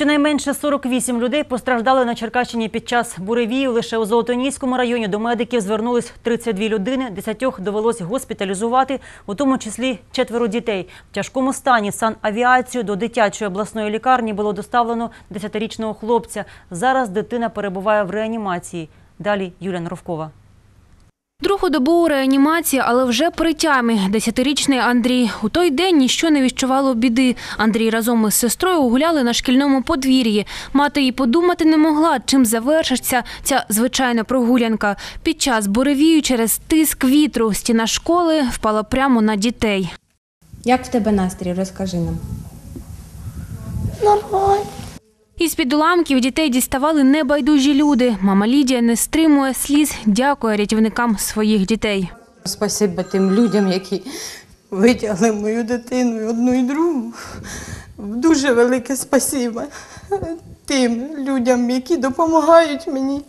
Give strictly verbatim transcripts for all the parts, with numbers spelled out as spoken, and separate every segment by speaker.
Speaker 1: Щонайменше сорок вісім людей постраждали на Черкащині під час буревію. Лише у Золотоніському районі до медиків звернулись тридцять дві людини. Десятьох довелось госпіталізувати, у тому числі четверо дітей. В тяжкому стані санавіацією до дитячої обласної лікарні було доставлено десятирічного хлопця. Зараз дитина перебуває в реанімації. Далі Юлія Норовкова.
Speaker 2: Другу добу у реанімації, але вже при тямі. Десятирічний Андрій. У той день ніщо не відчувало біди. Андрій разом із сестрою гуляли на шкільному подвір'ї. Мати й подумати не могла, чим завершиться ця звичайна прогулянка. Під час буревію через тиск вітру стіна школи впала прямо на дітей.
Speaker 3: Як в тебе настрій? Розкажи нам.
Speaker 4: Нормально.
Speaker 2: Із-під уламків дітей діставали небайдужі люди. Мама Лідія не стримує сліз, дякує рятівникам своїх дітей.
Speaker 5: Спасибо тим людям, які витягли мою дитину, одну і другу. Дуже велике спасибо тим людям, які допомагають мені.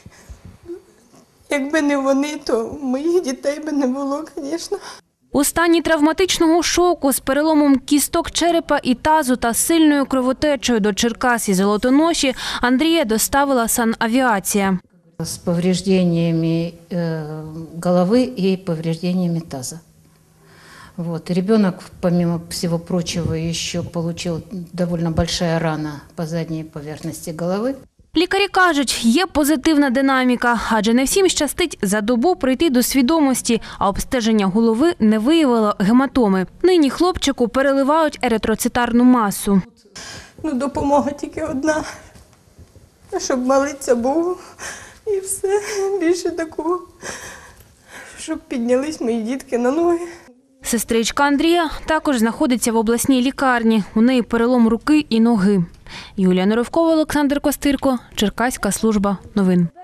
Speaker 5: Якби не вони, то моїх дітей би не було, звісно.
Speaker 2: У стані травматичного шоку з переломом кісток черепа і тазу та сильною кровотечею до Черкас і Золотоноші Андрія доставила санавіація.
Speaker 6: С повреждениями головы и повреждениями таза. Вот. Ребенок, помимо всего прочего, еще получил довольно большая рана по задней поверхности головы.
Speaker 2: Лікарі кажуть, є позитивна динаміка, адже не всім щастить за добу прийти до свідомості, а обстеження голови не виявило гематоми. Нині хлопчику переливають еритроцитарну масу.
Speaker 5: Ну, допомога тільки одна, щоб молитися Богу і все, більше такого, щоб піднялись мої дітки на ноги.
Speaker 2: Сестричка Андрія також знаходиться в обласній лікарні. У неї перелом руки і ноги. Юлія Норовкова, Олександр Костирко, Черкаська служба новин.